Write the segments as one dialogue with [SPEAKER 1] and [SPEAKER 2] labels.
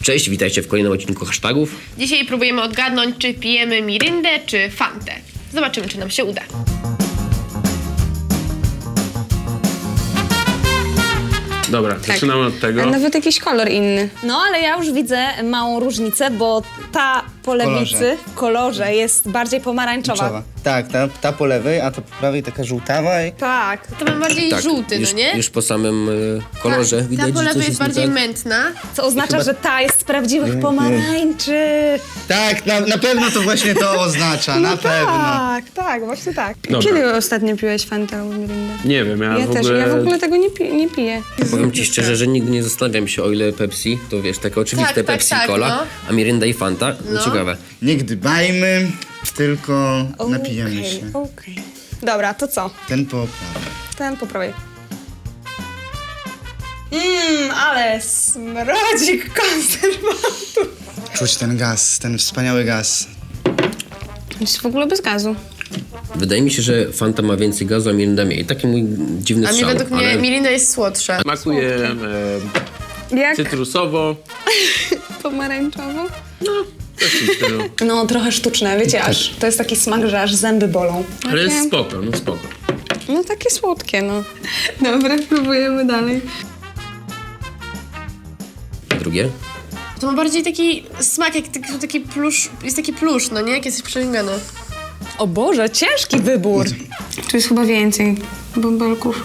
[SPEAKER 1] Cześć, witajcie w kolejnym odcinku hashtagów.
[SPEAKER 2] Dzisiaj próbujemy odgadnąć, czy pijemy Mirindę, czy Fantę. Zobaczymy, czy nam się uda.
[SPEAKER 3] Dobra, zaczynamy od tego.
[SPEAKER 4] A nawet jakiś kolor inny. No, ale ja już widzę małą różnicę, bo ta po lewicy w kolorze jest bardziej pomarańczowa.
[SPEAKER 5] Tak, ta po lewej, a ta po prawej taka żółtawa i...
[SPEAKER 4] Tak.
[SPEAKER 2] To mam bardziej żółty,
[SPEAKER 1] już,
[SPEAKER 2] no nie?
[SPEAKER 1] już po samym kolorze widać,
[SPEAKER 2] Ta po
[SPEAKER 1] że
[SPEAKER 2] lewej
[SPEAKER 1] coś
[SPEAKER 2] jest
[SPEAKER 1] jest nie
[SPEAKER 2] bardziej
[SPEAKER 1] tak.
[SPEAKER 2] mętna.
[SPEAKER 4] Co oznacza, że ta jest z prawdziwych pomarańczy.
[SPEAKER 5] Tak, na pewno to właśnie to oznacza, na pewno.
[SPEAKER 4] Tak, właśnie tak.
[SPEAKER 3] Dobra.
[SPEAKER 4] Kiedy ostatnio piłeś Fantę albo Mirindę?
[SPEAKER 3] Nie wiem, ja w
[SPEAKER 4] też,
[SPEAKER 3] ogóle...
[SPEAKER 4] ja w ogóle tego nie piję.
[SPEAKER 1] Powiem ci szczerze, że nigdy nie zastanawiam się, o ile Pepsi, to wiesz, takie oczywiste
[SPEAKER 2] Tak,
[SPEAKER 1] Pepsi
[SPEAKER 2] tak,
[SPEAKER 1] Cola,
[SPEAKER 2] no.
[SPEAKER 1] a Mirinda i Fanta, no ciekawe.
[SPEAKER 5] Nie gdybajmy, tylko napijemy się.
[SPEAKER 4] Okej. Dobra, to co?
[SPEAKER 5] Ten po prawej.
[SPEAKER 4] Ten po prawej. Ale smrodzik konserwantów.
[SPEAKER 5] Czuć ten gaz, ten wspaniały gaz.
[SPEAKER 4] Jest w ogóle bez gazu.
[SPEAKER 1] Wydaje mi się, że Fanta ma więcej gazu, a Mirinda mniej. Taki mój dziwny
[SPEAKER 2] A mnie
[SPEAKER 1] strzał,
[SPEAKER 2] według mnie
[SPEAKER 1] ale...
[SPEAKER 2] Mirinda jest słodsza.
[SPEAKER 3] Smakuje
[SPEAKER 4] Jak
[SPEAKER 3] cytrusowo.
[SPEAKER 4] pomarańczowo?
[SPEAKER 3] Coś w tym stylu.
[SPEAKER 4] No, trochę sztuczne, wiecie, aż to jest taki smak, że aż zęby bolą.
[SPEAKER 3] Ale jest spoko, no spoko.
[SPEAKER 4] No takie słodkie, no. Dobra, próbujemy dalej.
[SPEAKER 1] Drugie?
[SPEAKER 2] To ma bardziej taki smak, jak taki plusz, jest taki plusz, no nie? Jak jesteś przeżygany.
[SPEAKER 4] O Boże, ciężki wybór. Tu jest chyba więcej bąbelków.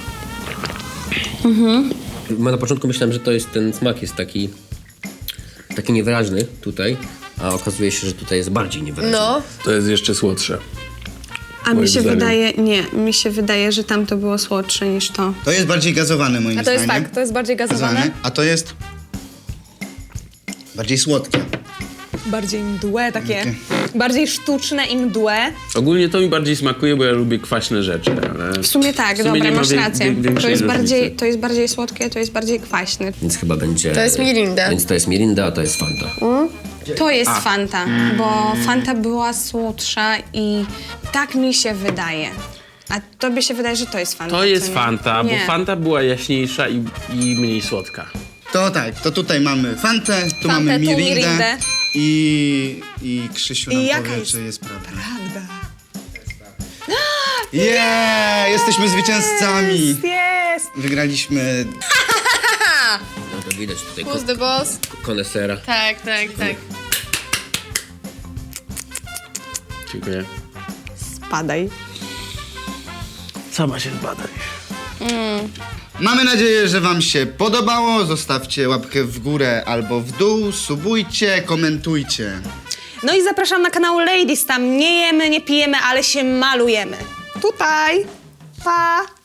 [SPEAKER 1] Na początku myślałem, że to jest ten smak jest taki niewyraźny tutaj, a okazuje się, że tutaj jest bardziej niewyraźny.
[SPEAKER 2] No.
[SPEAKER 3] To jest jeszcze słodsze.
[SPEAKER 4] A mi
[SPEAKER 3] Moim
[SPEAKER 4] się
[SPEAKER 3] zdaniem.
[SPEAKER 4] wydaje, mi się wydaje, że tamto było słodsze niż to.
[SPEAKER 5] To jest bardziej gazowane moim
[SPEAKER 4] A to jest
[SPEAKER 5] zdaniem.
[SPEAKER 4] tak, to jest bardziej gazowane.
[SPEAKER 5] A to jest bardziej słodkie.
[SPEAKER 4] Bardziej mdłe takie, bardziej sztuczne i mdłe.
[SPEAKER 3] Ogólnie to mi bardziej smakuje, bo ja lubię kwaśne rzeczy, ale...
[SPEAKER 4] W sumie tak,
[SPEAKER 3] W sumie
[SPEAKER 4] dobra,
[SPEAKER 3] nie ma
[SPEAKER 4] masz rację.
[SPEAKER 3] większej różnicy.
[SPEAKER 4] To jest bardziej słodkie, to jest bardziej kwaśne.
[SPEAKER 1] Więc chyba będzie...
[SPEAKER 2] To jest Mirinda.
[SPEAKER 1] Więc to jest Mirinda, a to jest Fanta.
[SPEAKER 4] To jest Fanta, bo Fanta była słodsza i tak mi się wydaje. A tobie się wydaje, że to jest Fanta.
[SPEAKER 3] To jest
[SPEAKER 4] co nie?
[SPEAKER 3] Fanta, bo
[SPEAKER 4] Nie.
[SPEAKER 3] Fanta była jaśniejsza i mniej słodka.
[SPEAKER 5] To tak, to tutaj mamy Fantę, tu
[SPEAKER 4] Fantę,
[SPEAKER 5] mamy
[SPEAKER 4] tu
[SPEAKER 5] Mirindę
[SPEAKER 4] Mirindę.
[SPEAKER 5] i Krzysiu nam
[SPEAKER 4] I jaka
[SPEAKER 5] powie,
[SPEAKER 4] jest
[SPEAKER 5] czy jest prawda.
[SPEAKER 4] Prawda.
[SPEAKER 5] Jesteśmy zwycięzcami!
[SPEAKER 4] Jest!
[SPEAKER 5] Wygraliśmy.
[SPEAKER 1] No to widać tutaj
[SPEAKER 2] Who's the boss?
[SPEAKER 1] konesera.
[SPEAKER 2] Tak.
[SPEAKER 3] Dziękuję.
[SPEAKER 4] Spadaj.
[SPEAKER 3] Sama się zbadaj.
[SPEAKER 5] Mamy nadzieję, że wam się podobało. Zostawcie łapkę w górę albo w dół, subujcie, komentujcie.
[SPEAKER 4] No i zapraszam na kanał Ladies, tam nie jemy, nie pijemy, ale się malujemy. Tutaj. Pa!